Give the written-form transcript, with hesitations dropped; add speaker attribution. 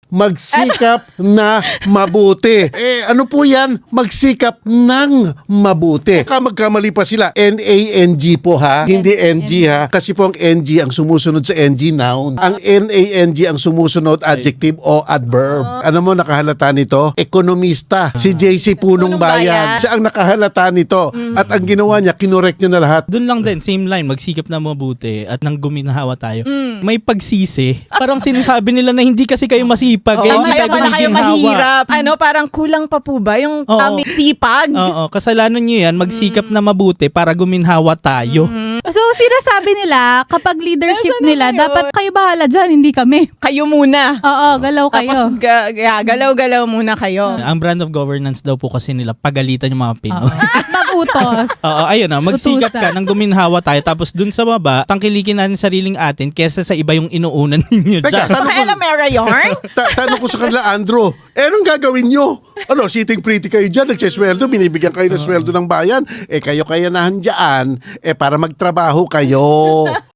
Speaker 1: magsikap na mabuti. Ano po yan? Magsikap ng mabuti. Baka magkamali pa sila. N-A-N-G po ha. Hindi N-G ha. Kasi po ang N-G ang sumusunod sa N-G noun. Ang N-A-N-G ang sumusunod adjective o adverb. Ano mo nakahalata nito? Ekonomista. Si JC Punong Bayan. Siya ang nakahalata nito. At ang ginawa niya, kinorek niya na lahat.
Speaker 2: Doon lang din, same line, magsikap na mabuti at nang guminahawa tayo. May pagsisi. Parang sinasabi nila na hindi kasi kayo masipag. Hindi
Speaker 3: Kaya pala kayo
Speaker 2: gumiginhawa.
Speaker 3: mahirap. Parang kulang pa po ba yung aming sipag?
Speaker 2: Oo, kasalanan nyo yan, magsikap na mabuti para guminhawa tayo.
Speaker 4: So, sinasabi nila, kapag leadership nila, dapat kayo bahala dyan, hindi kami.
Speaker 3: Kayo muna.
Speaker 4: Oo, galaw kayo.
Speaker 3: Tapos galaw-galaw muna kayo.
Speaker 2: Ang brand of governance daw po kasi nila, pagalitan yung mga Pinoy.
Speaker 4: At mag-utos.
Speaker 2: Oo, ayun na, magsikap ka
Speaker 4: Utusan.
Speaker 2: nang guminhawa tayo, tapos dun sa baba, tangkilikin natin sariling atin kesa sa iba yung inuunan ninyo
Speaker 1: Teka,
Speaker 2: dyan.
Speaker 3: Kaya na Mera yarn?
Speaker 1: Tanong ko sa kanila, Andrew, anong gagawin nyo? Ano, sitting pretty kayo dyan, nagsisweldo, binibigyan kayo ng sweldo ng bayan. Kayo kayanahan dyan, para magtrabaho kayo.